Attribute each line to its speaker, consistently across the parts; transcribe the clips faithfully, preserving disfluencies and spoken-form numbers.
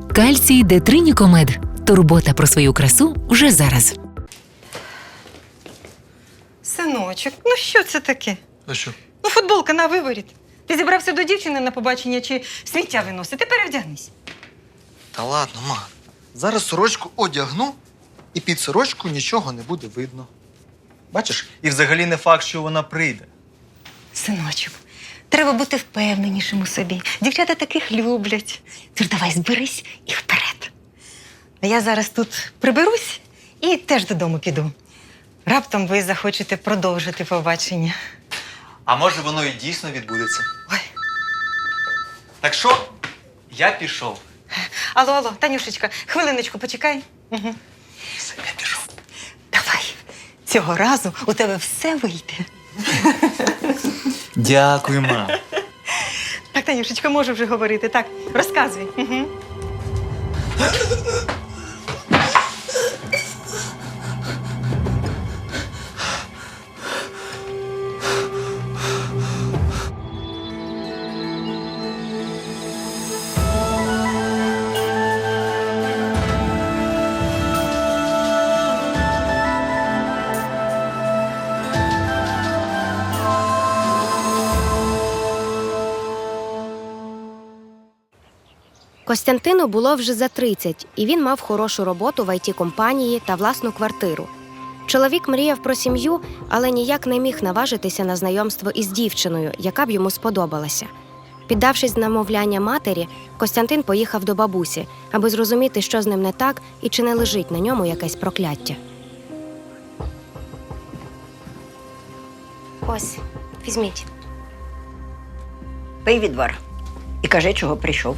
Speaker 1: Кальцій Детринікомед. Турбота про свою красу вже зараз.
Speaker 2: Синочок, ну що це таке?
Speaker 3: А що?
Speaker 2: Ну, футболка на виворіт. Ти зібрався до дівчини на побачення чи сміття виносити? Перевдягнись.
Speaker 3: Та ладно, ма. Зараз сорочку одягну, і під сорочку нічого не буде видно. Бачиш? І взагалі не факт, що вона прийде.
Speaker 2: Синочок, треба бути впевненішим у собі. Дівчата таких люблять. Тож давай зберись і вперед. А я зараз тут приберусь і теж додому піду. Раптом ви захочете продовжити побачення.
Speaker 3: А може воно і дійсно відбудеться?
Speaker 2: Ой.
Speaker 3: Так що, я пішов.
Speaker 2: Алло, алло, Танюшечка, хвилиночку, почекай. Угу.
Speaker 3: Все, я пішов.
Speaker 2: Давай. Цього разу у тебе все вийде.
Speaker 3: Дякую, ма.
Speaker 2: Так, Танюшечка, можу вже говорити. Так, розказуй. Угу.
Speaker 4: Костянтину було вже за тридцять, і він мав хорошу роботу в ай ті-компанії та власну квартиру. Чоловік мріяв про сім'ю, але ніяк не міг наважитися на знайомство із дівчиною, яка б йому сподобалася. Піддавшись намовляння матері, Костянтин поїхав до бабусі, аби зрозуміти, що з ним не так і чи не лежить на ньому якесь прокляття. Ось, візьміть.
Speaker 5: Пий відвар і кажи, чого прийшов.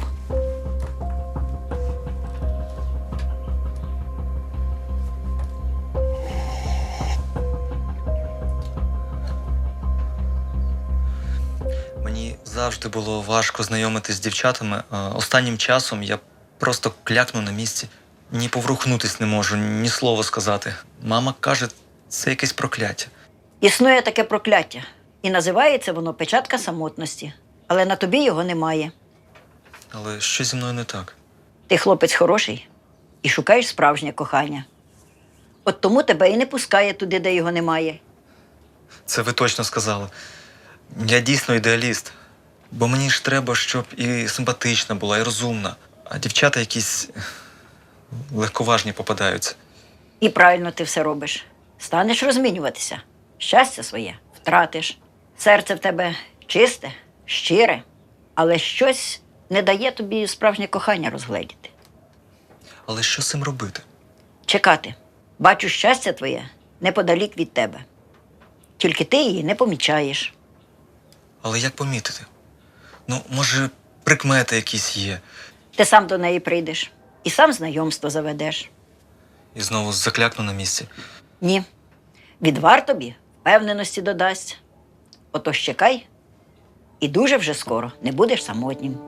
Speaker 6: Мені завжди було важко знайомитись з дівчатами. А останнім часом я просто клякну на місці. Ні поворухнутись не можу, ні слова сказати. Мама каже, це якесь прокляття.
Speaker 5: Існує таке прокляття, і називається воно печатка самотності. Але на тобі його немає.
Speaker 6: Але що зі мною не так?
Speaker 5: Ти хлопець хороший і шукаєш справжнє кохання. От тому тебе і не пускає туди, де його немає.
Speaker 6: Це ви точно сказали. Я дійсно ідеаліст. Бо мені ж треба, щоб і симпатична була, і розумна. А дівчата якісь легковажні попадаються.
Speaker 5: І правильно ти все робиш. Станеш розмінюватися. Щастя своє втратиш. Серце в тебе чисте, щире, але щось не дає тобі справжнє кохання розгледіти.
Speaker 6: Але що з цим робити?
Speaker 5: Чекати. Бачу щастя твоє неподалік від тебе. Тільки ти її не помічаєш.
Speaker 6: Але як помітити? Ну, може, прикмети якісь є.
Speaker 5: Ти сам до неї прийдеш і сам знайомство заведеш.
Speaker 6: І знову заклякну на місці.
Speaker 5: Ні. Відвар тобі впевненості додасть. Отож чекай, і дуже вже скоро не будеш самотнім.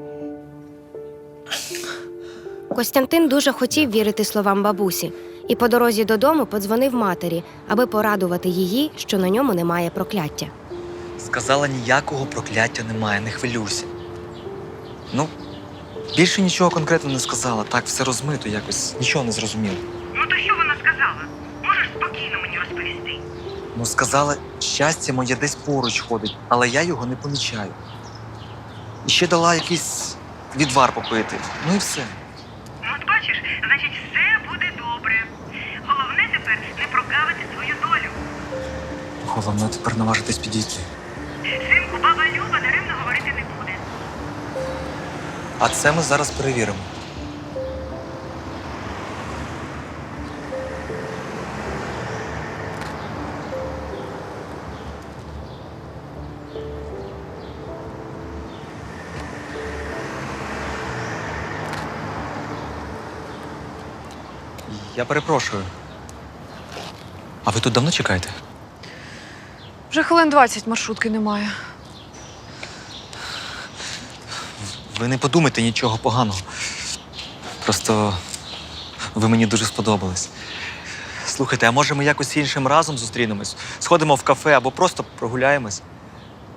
Speaker 4: Костянтин дуже хотів вірити словам бабусі і по дорозі додому подзвонив матері, аби порадувати її, що на ньому немає прокляття.
Speaker 6: Сказала, ніякого прокляття немає, не хвилюйся. Ну, більше нічого конкретно не сказала. Так, все розмито якось, нічого не зрозуміло.
Speaker 7: Ну то що вона сказала? Можеш спокійно мені розповісти?
Speaker 6: Ну, сказала, щастя моє десь поруч ходить, але я його не помічаю. І ще дала якийсь відвар попити. Ну і все.
Speaker 7: Ну от бачиш, значить все буде добре. Головне тепер не прогавити свою долю.
Speaker 6: Головне тепер наважитись підійти.
Speaker 7: Синку, баба Люба даремно говорити не буде.
Speaker 6: А це ми зараз перевіримо. Я перепрошую. А ви тут давно чекаєте?
Speaker 8: Вже хвилин двадцять маршрутки немає.
Speaker 6: Ви не подумайте нічого поганого. Просто ви мені дуже сподобались. Слухайте, а може ми якось іншим разом зустрінемось? Сходимо в кафе або просто прогуляємось?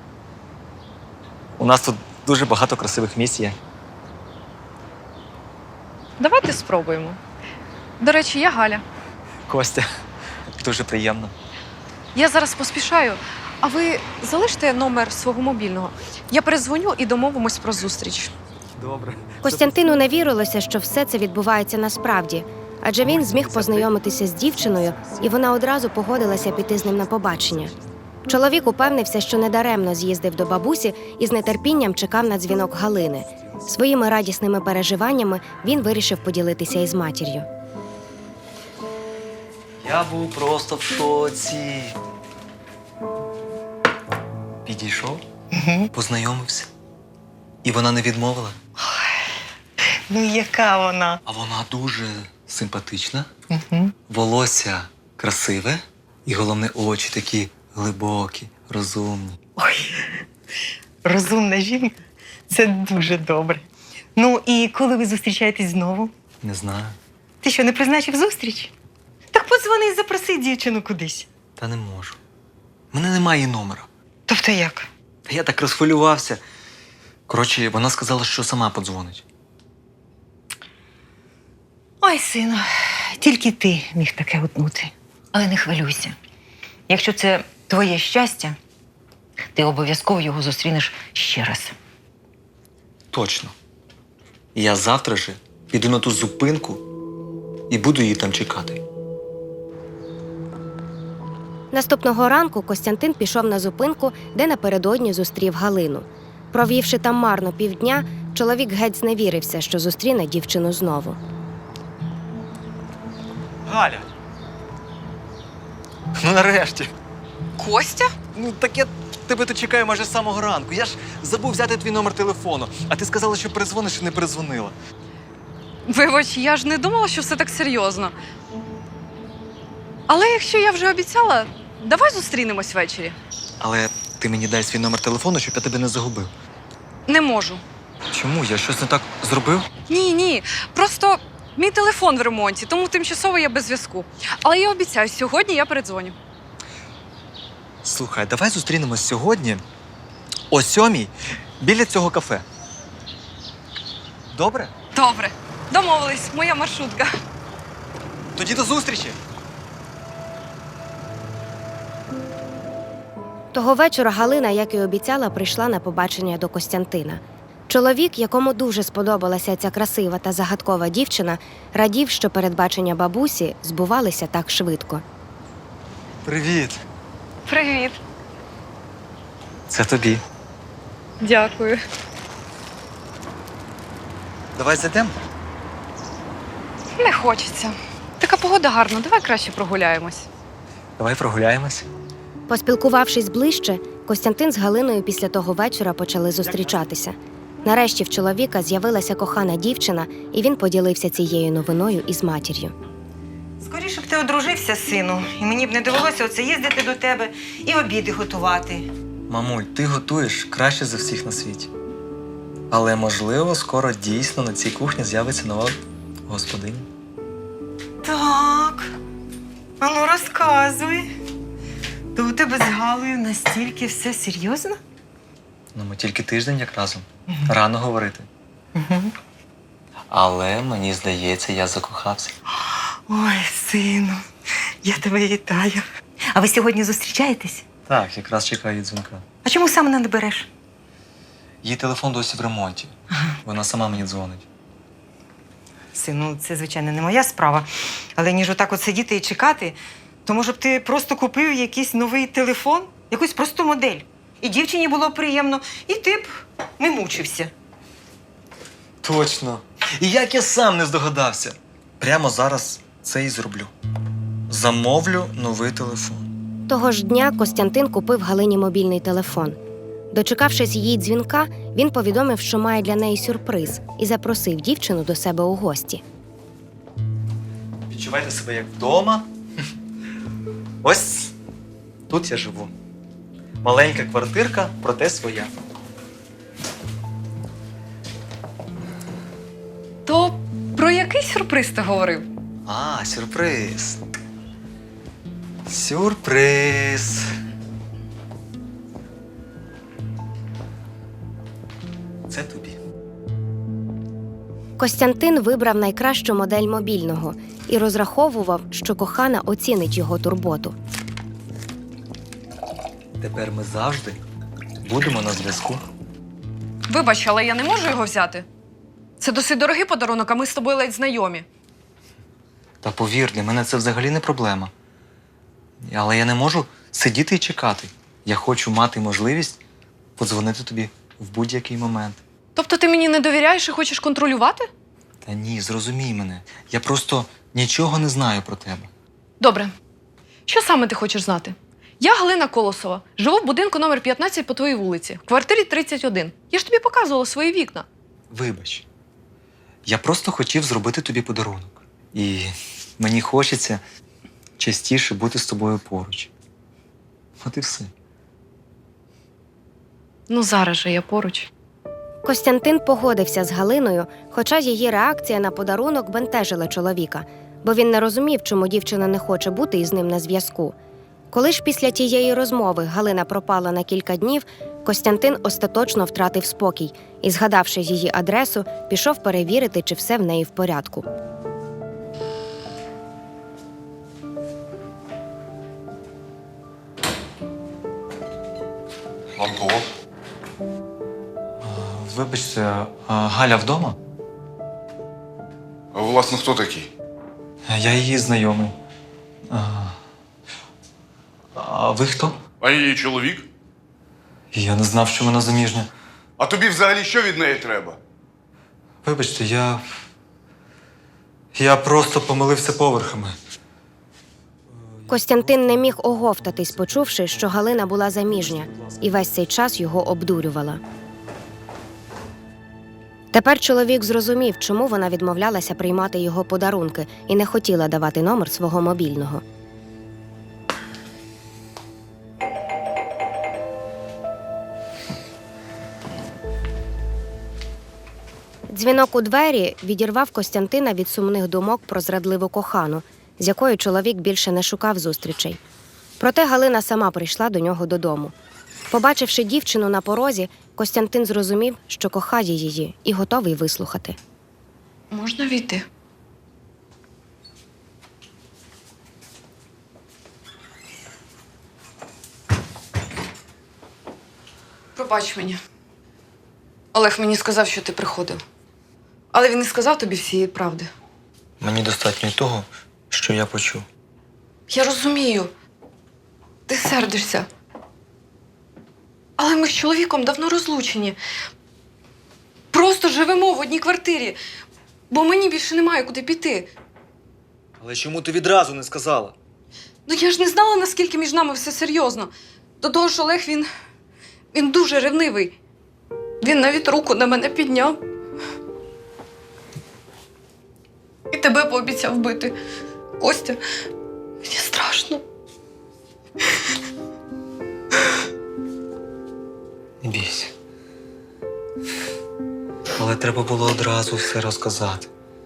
Speaker 6: У нас тут дуже багато красивих місць є.
Speaker 8: Давайте спробуємо. До речі, я Галя.
Speaker 6: Костя, дуже приємно.
Speaker 8: Я зараз поспішаю, а ви залиште номер свого мобільного. Я перезвоню і домовимось про зустріч.
Speaker 6: Добре.
Speaker 4: Костянтину не вірилося, що все це відбувається насправді, адже він зміг познайомитися з дівчиною, і вона одразу погодилася піти з ним на побачення. Чоловік упевнився, що недаремно з'їздив до бабусі і з нетерпінням чекав на дзвінок Галини. Своїми радісними переживаннями він вирішив поділитися із матір'ю.
Speaker 6: Я був просто в шоці. Підійшов, познайомився. І вона не відмовила.
Speaker 2: Ну, яка вона?
Speaker 6: А вона дуже симпатична,
Speaker 2: Угу.
Speaker 6: волосся красиве і, головне, очі такі глибокі, розумні.
Speaker 2: Ой, розумна жінка. Це дуже добре. Ну, і коли ви зустрічаєтесь знову?
Speaker 6: Не знаю.
Speaker 2: Ти що, не призначив зустріч? Так подзвони і запроси дівчину кудись.
Speaker 6: Та не можу. У мене немає її номера.
Speaker 2: Тобто як?
Speaker 6: Та я так розхвилювався. Коротше, вона сказала, що сама подзвонить.
Speaker 2: Ой, сину, тільки ти міг таке утнути. Але не хвилюйся. Якщо це твоє щастя, ти обов'язково його зустрінеш ще раз.
Speaker 6: Точно. І я завтра же піду на ту зупинку і буду її там чекати.
Speaker 4: Наступного ранку Костянтин пішов на зупинку, де напередодні зустрів Галину. Провівши там марно півдня, чоловік геть зневірився, що зустріне дівчину знову.
Speaker 6: Галя! Ну нарешті.
Speaker 8: Костя?
Speaker 6: Ну так я тебе тут чекаю майже з самого ранку. Я ж забув взяти твій номер телефону, а ти сказала, що перезвониш і не перезвонила.
Speaker 8: Вибач, я ж не думала, що все так серйозно. Але якщо я вже обіцяла, давай зустрінемось ввечері.
Speaker 6: Але ти мені дай свій номер телефону, щоб я тебе не загубив.
Speaker 8: Не можу.
Speaker 6: Чому? Я щось не так зробив?
Speaker 8: Ні, ні. Просто мій телефон в ремонті, тому тимчасово я без зв'язку. Але я обіцяю, сьогодні я передзвоню.
Speaker 6: Слухай, давай зустрінемось сьогодні о сьомій біля цього кафе. Добре?
Speaker 8: Добре. Домовились, моя маршрутка.
Speaker 6: Тоді до зустрічі!
Speaker 4: Того вечора Галина, як і обіцяла, прийшла на побачення до Костянтина. Чоловік, якому дуже сподобалася ця красива та загадкова дівчина, радів, що передбачення бабусі збувалися так швидко.
Speaker 6: Привіт!
Speaker 8: Привіт.
Speaker 6: Це тобі.
Speaker 8: Дякую.
Speaker 6: Давай зайдемо.
Speaker 8: Не хочеться. Така погода гарна, давай краще прогуляємось.
Speaker 6: Давай прогуляємось.
Speaker 4: Поспілкувавшись ближче, Костянтин з Галиною після того вечора почали зустрічатися. Нарешті в чоловіка з'явилася кохана дівчина, і він поділився цією новиною із матір'ю.
Speaker 2: Скоріше б ти одружився, сину, і мені б не довелося оце їздити до тебе і обіди готувати.
Speaker 6: Мамуль, ти готуєш краще за всіх на світі. Але, можливо, скоро дійсно на цій кухні з'явиться нова господиня.
Speaker 2: Так. А ну розказуй. То у тебе з Галею настільки все серйозно?
Speaker 6: Ну, ми тільки тиждень як разом. Рано говорити.
Speaker 2: Угу.
Speaker 6: Але мені здається, я закохався.
Speaker 2: Ой, сину, я тебе вітаю. А ви сьогодні зустрічаєтесь?
Speaker 6: Так, якраз чекаю її дзвінка.
Speaker 2: А чому саме не береш?
Speaker 6: Її телефон досі в ремонті. Вона сама мені дзвонить.
Speaker 2: Сину, це, звичайно, не моя справа. Але ніж отак от сидіти і чекати, то, може б, ти просто купив якийсь новий телефон, якусь просту модель. І дівчині було приємно, і ти б не мучився.
Speaker 6: Точно. І як я сам не здогадався. Прямо зараз це і зроблю. Замовлю новий телефон.
Speaker 4: Того ж дня Костянтин купив Галині мобільний телефон. Дочекавшись її дзвінка, він повідомив, що має для неї сюрприз, і запросив дівчину до себе у гості.
Speaker 6: Відчувайте себе як вдома. Ось тут я живу. Маленька квартирка, проте своя.
Speaker 8: То про який сюрприз ти говорив?
Speaker 6: А, сюрприз. Сюрприз. Це тобі.
Speaker 4: Костянтин вибрав найкращу модель мобільного і розраховував, що кохана оцінить його турботу.
Speaker 6: Тепер ми завжди будемо на зв'язку.
Speaker 8: Вибач, але я не можу його взяти. Це досить дорогий подарунок, а ми з тобою ледь знайомі.
Speaker 6: Та повір, для мене це взагалі не проблема. Але я не можу сидіти і чекати. Я хочу мати можливість подзвонити тобі в будь-який момент.
Speaker 8: Тобто ти мені не довіряєш і хочеш контролювати?
Speaker 6: Та ні, зрозумій мене. Я просто нічого не знаю про тебе.
Speaker 8: Добре. Що саме ти хочеш знати? Я Галина Колосова. Живу в будинку номер п'ятнадцять по твоїй вулиці, в квартирі тридцять один. Я ж тобі показувала свої вікна.
Speaker 6: Вибач. Я просто хотів зробити тобі подарунок. І мені хочеться частіше бути з тобою поруч. От і все.
Speaker 8: Ну, зараз же я поруч.
Speaker 4: Костянтин погодився з Галиною, хоча її реакція на подарунок бентежила чоловіка, бо він не розумів, чому дівчина не хоче бути із ним на зв'язку. Коли ж після тієї розмови Галина пропала на кілька днів, Костянтин остаточно втратив спокій і, згадавши її адресу, пішов перевірити, чи все в неї в порядку.
Speaker 9: Антон?
Speaker 6: Вибачте, а Галя вдома?
Speaker 9: А ви, власне, хто такий?
Speaker 6: Я її знайомий. А, а ви хто?
Speaker 9: А її чоловік?
Speaker 6: Я не знав, що вона заміжня.
Speaker 9: А тобі взагалі що від неї треба?
Speaker 6: Вибачте, я. Я просто помилився поверхами.
Speaker 4: Костянтин не міг оговтатись, почувши, що Галина була заміжня, і весь цей час його обдурювала. Тепер чоловік зрозумів, чому вона відмовлялася приймати його подарунки і не хотіла давати номер свого мобільного. Дзвінок у двері відірвав Костянтина від сумних думок про зрадливу кохану, з якою чоловік більше не шукав зустрічей. Проте Галина сама прийшла до нього додому. Побачивши дівчину на порозі, Костянтин зрозумів, що кохає її і готовий вислухати.
Speaker 8: Можна війти? Пробач мені. Олег мені сказав, що ти приходив. Але він не сказав тобі всієї правди.
Speaker 6: Мені достатньо й того, що я почув.
Speaker 8: Я розумію. Ти сердишся. Але ми з чоловіком давно розлучені. Просто живемо в одній квартирі, бо мені більше немає куди піти.
Speaker 6: Але чому ти відразу не сказала?
Speaker 8: Ну я ж не знала, наскільки між нами все серйозно. До того ж, Олег, він... він дуже ревнивий. Він навіть руку на мене підняв. І тебе пообіцяв бити. Костя, мені страшно.
Speaker 6: Не бійся. Але треба було одразу все розказати.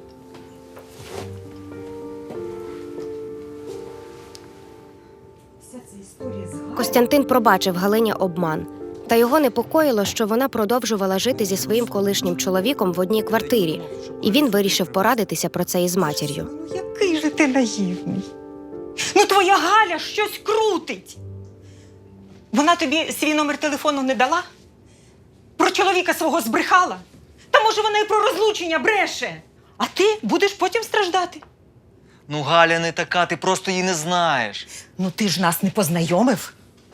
Speaker 4: Костянтин пробачив Галині обман. Та його непокоїло, що вона продовжувала жити зі своїм колишнім чоловіком в одній квартирі, і він вирішив порадитися про це із матір'ю.
Speaker 2: Ну, який же ти наївний. Ну, твоя Галя щось крутить. Вона тобі свій номер телефону не дала? Про чоловіка свого збрехала? Та може вона і про розлучення бреше? А ти будеш потім страждати.
Speaker 6: Ну, Галя не така, ти просто її не знаєш.
Speaker 2: Ну, ти ж нас не познайомив.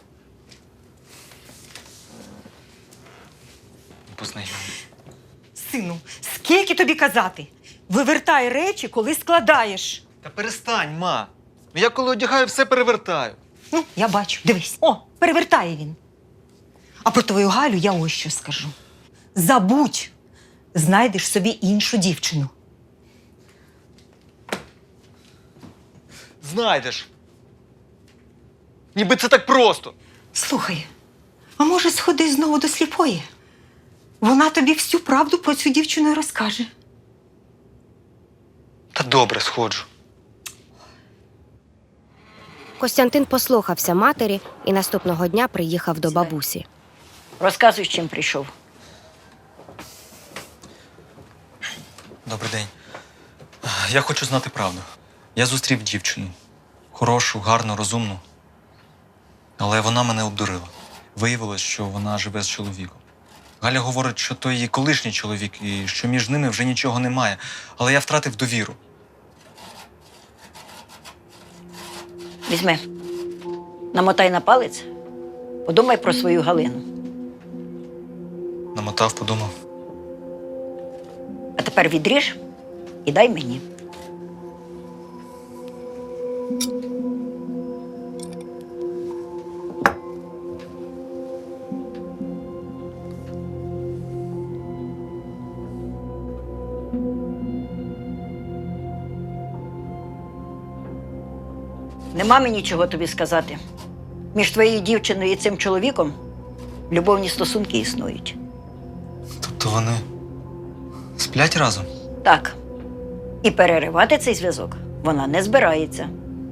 Speaker 6: Познайомий.
Speaker 2: Сину, скільки тобі казати? Вивертай речі, коли складаєш.
Speaker 6: Та перестань, ма. Я коли одягаю, все перевертаю.
Speaker 2: Ну, я бачу, дивись. О, перевертає він. А про твою Галю я ось що скажу. Забудь, знайдеш собі іншу дівчину.
Speaker 6: Знайдеш. Ніби це так просто.
Speaker 2: Слухай, а може сходи знову до сліпої? Вона тобі всю правду про цю дівчину розкаже.
Speaker 6: Та добре, сходжу.
Speaker 4: Костянтин послухався матері і наступного дня приїхав до бабусі.
Speaker 5: Розказуй, з чим прийшов.
Speaker 6: Добрий день. Я хочу знати правду. Я зустрів дівчину. Хорошу, гарну, розумну. Але вона мене обдурила. Виявилось, що вона живе з чоловіком. Галя говорить, що то її колишній чоловік і що між ними вже нічого немає. Але я втратив довіру.
Speaker 5: Візьми, намотай на палець, подумай про свою Галину.
Speaker 6: Намотав, подумав.
Speaker 5: А тепер відріж і дай мені. Нема мені чого тобі сказати. Між твоєю дівчиною і цим чоловіком любовні стосунки існують.
Speaker 6: Тобто вони сплять разом?
Speaker 5: Так. І переривати цей зв'язок вона не збирається.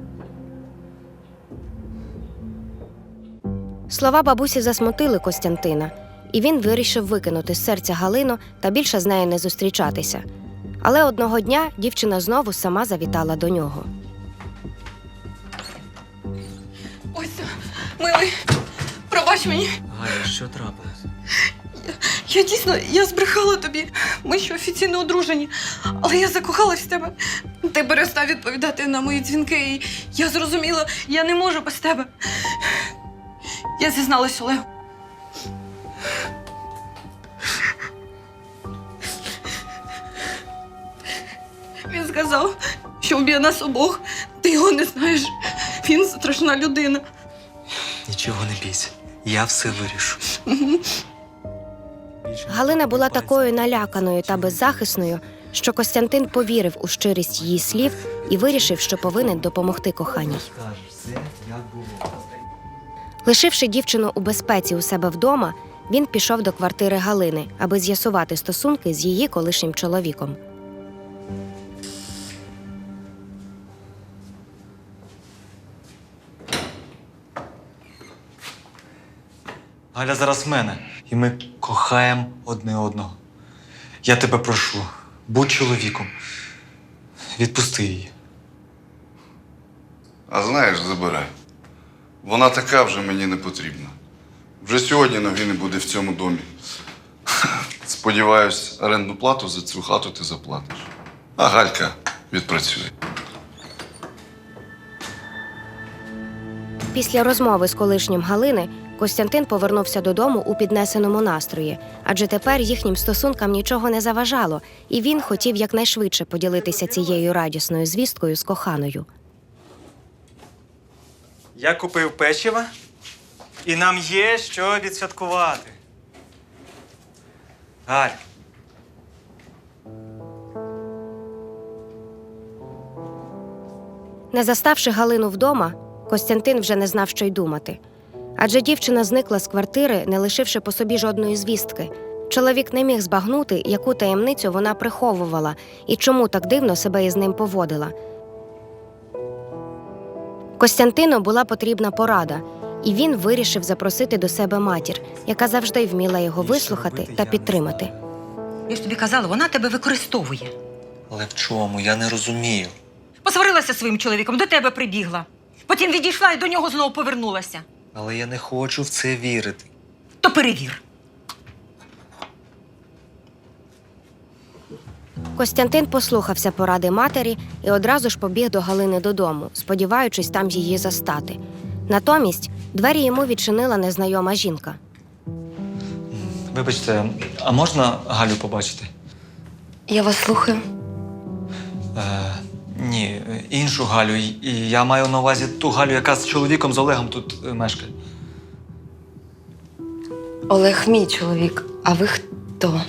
Speaker 4: Слова бабусі засмутили Костянтина, і він вирішив викинути з серця Галину та більше з нею не зустрічатися. Але одного дня дівчина знову сама завітала до нього.
Speaker 8: Ось, милий, пробач мені.
Speaker 6: Галя, що трапилось?
Speaker 8: Я дійсно, я збрехала тобі. Ми ще офіційно одружені. Але я закохалась в тебе. Ти перестав відповідати на мої дзвінки, і я зрозуміла, я не можу без тебе. Я зізналась Олегу. Він сказав, що вб'є нас обох. Ти його не знаєш. Він страшна людина.
Speaker 6: Нічого не бійся. Я все вирішу.
Speaker 4: Галина була такою наляканою та беззахисною, що Костянтин повірив у щирість її слів і вирішив, що повинен допомогти коханій. Лишивши дівчину у безпеці у себе вдома, він пішов до квартири Галини, аби з'ясувати стосунки з її колишнім чоловіком.
Speaker 6: Галя зараз в мене, і ми кохаємо одне одного. Я тебе прошу, будь чоловіком. Відпусти її.
Speaker 9: А знаєш, забирай. Вона така вже мені не потрібна. Вже сьогодні ноги не буде в цьому домі. Сподіваюсь, орендну плату за цю хату ти заплатиш. А Галька відпрацює.
Speaker 4: Після розмови з колишнім Галини Костянтин повернувся додому у піднесеному настрої, адже тепер їхнім стосункам нічого не заважало, і він хотів якнайшвидше поділитися цією радісною звісткою з коханою.
Speaker 6: Я купив печива, і нам є що відсвяткувати. Галь.
Speaker 4: Не заставши Галину вдома, Костянтин вже не знав, що й думати. Адже дівчина зникла з квартири, не лишивши по собі жодної звістки. Чоловік не міг збагнути, яку таємницю вона приховувала і чому так дивно себе із ним поводила. Костянтину була потрібна порада, і він вирішив запросити до себе матір, яка завжди вміла його вислухати та підтримати.
Speaker 2: Я ж тобі казала, вона тебе використовує.
Speaker 6: Але в чому? Я не розумію.
Speaker 2: Посварилася зі своїм чоловіком, до тебе прибігла. Потім відійшла і до нього знову повернулася.
Speaker 6: Але я не хочу в це вірити.
Speaker 2: То перевір.
Speaker 4: Костянтин послухався поради матері і одразу ж побіг до Галини додому, сподіваючись там її застати. Натомість двері йому відчинила незнайома жінка.
Speaker 6: Вибачте, а можна Галю побачити?
Speaker 8: Я вас слухаю.
Speaker 6: Е, ні, іншу Галю. І я маю на увазі ту Галю, яка з чоловіком, з Олегом тут е, мешкає.
Speaker 8: Олег мій чоловік, а ви хто?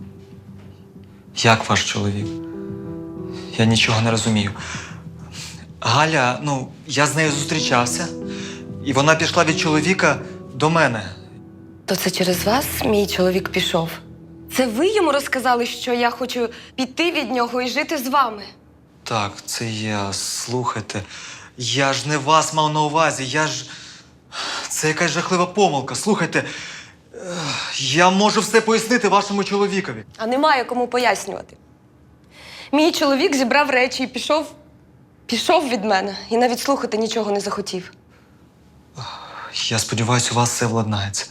Speaker 6: Як ваш чоловік? Я нічого не розумію. Галя, ну, я з нею зустрічався, і вона пішла від чоловіка до мене.
Speaker 10: То це через вас мій чоловік пішов? Це ви йому розказали, що я хочу піти від нього і жити з вами?
Speaker 6: Так, це я. Слухайте, я ж не вас мав на увазі, я ж... Це якась жахлива помилка. Слухайте, я можу все пояснити вашому чоловікові.
Speaker 10: А немає кому пояснювати. Мій чоловік зібрав речі і пішов. Пішов від мене і навіть слухати нічого не захотів.
Speaker 6: Я сподіваюся, у вас все владнається.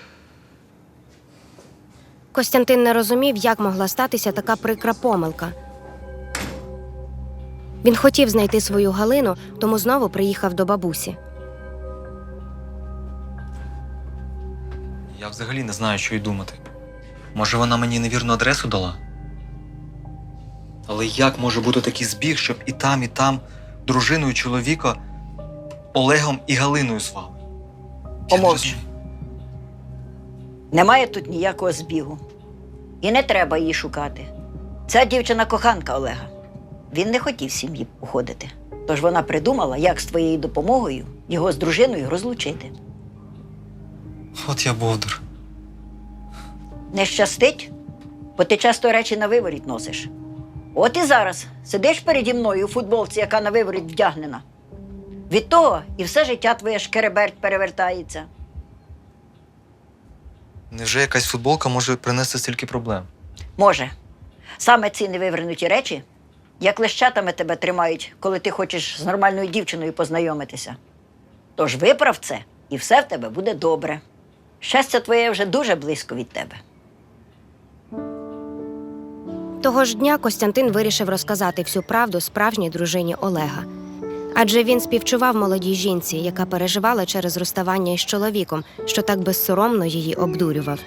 Speaker 4: Костянтин не розумів, як могла статися така прикра помилка. Він хотів знайти свою Галину, тому знову приїхав до бабусі.
Speaker 6: Я взагалі не знаю, що й думати. Може, вона мені невірну адресу дала? Але як може бути такий збіг, щоб і там, і там дружиною чоловіка Олегом і Галиною звали? Я не
Speaker 5: Помовч.
Speaker 6: розумію.
Speaker 5: Немає тут ніякого збігу. І не треба її шукати. Ця дівчина коханка Олега. Він не хотів з сім'ї уходити. Тож вона придумала, як з твоєю допомогою його з дружиною розлучити.
Speaker 6: От я бовдур.
Speaker 5: Не щастить, бо ти часто речі на виворіт носиш. От і зараз сидиш переді мною у футболці, яка на виворіт вдягнена. Від того і все життя твоє шкереберть перевертається.
Speaker 6: Невже якась футболка може принести стільки проблем?
Speaker 5: Може. Саме ці невивернуті речі, як лещатами тебе тримають, коли ти хочеш з нормальною дівчиною познайомитися. Тож виправ це, і все в тебе буде добре. Щастя твоє вже дуже близько від тебе.
Speaker 4: Того ж дня Костянтин вирішив розказати всю правду справжній дружині Олега. Адже він співчував молодій жінці, яка переживала через розставання із чоловіком, що так безсоромно її обдурював.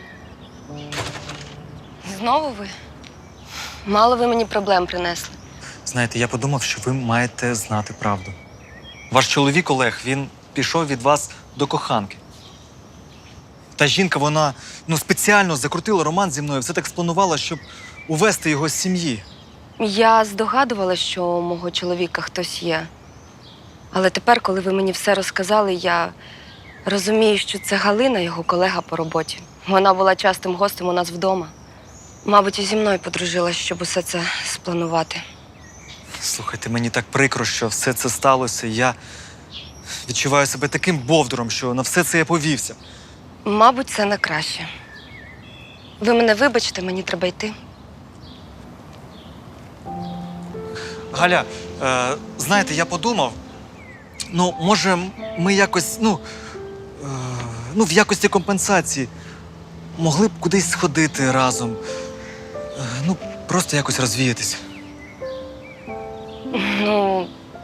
Speaker 10: Знову ви? Мало ви мені проблем принесли.
Speaker 6: Знаєте, я подумав, що ви маєте знати правду. Ваш чоловік Олег, він пішов від вас до коханки. Та жінка, вона ну, спеціально закрутила роман зі мною, все так спланувала, щоб увести його з сім'ї.
Speaker 10: Я здогадувалася, що у мого чоловіка хтось є. Але тепер, коли ви мені все розказали, я розумію, що це Галина, його колега по роботі. Вона була частим гостем у нас вдома. Мабуть, і зі мною подружилась, щоб усе це спланувати.
Speaker 6: Слухайте, мені так прикро, що все це сталося. Я відчуваю себе таким бовдуром, що на все це я повівся.
Speaker 10: Мабуть, це на краще. Ви мене вибачте, мені треба йти.
Speaker 6: Галя, е, знаєте, я подумав, ну, може, ми якось, ну, е, ну, в якості компенсації могли б кудись сходити разом. Е, ну, просто якось розвіятися.
Speaker 10: Ну,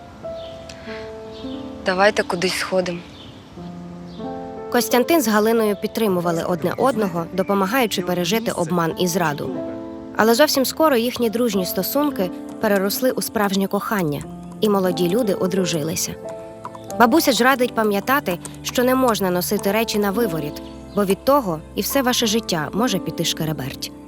Speaker 10: давайте кудись сходимо.
Speaker 4: Костянтин з Галиною підтримували одне одного, допомагаючи пережити обман і зраду. Але зовсім скоро їхні дружні стосунки переросли у справжнє кохання, і молоді люди одружилися. Бабуся ж радить пам'ятати, що не можна носити речі на виворіт, бо від того і все ваше життя може піти шкереберть.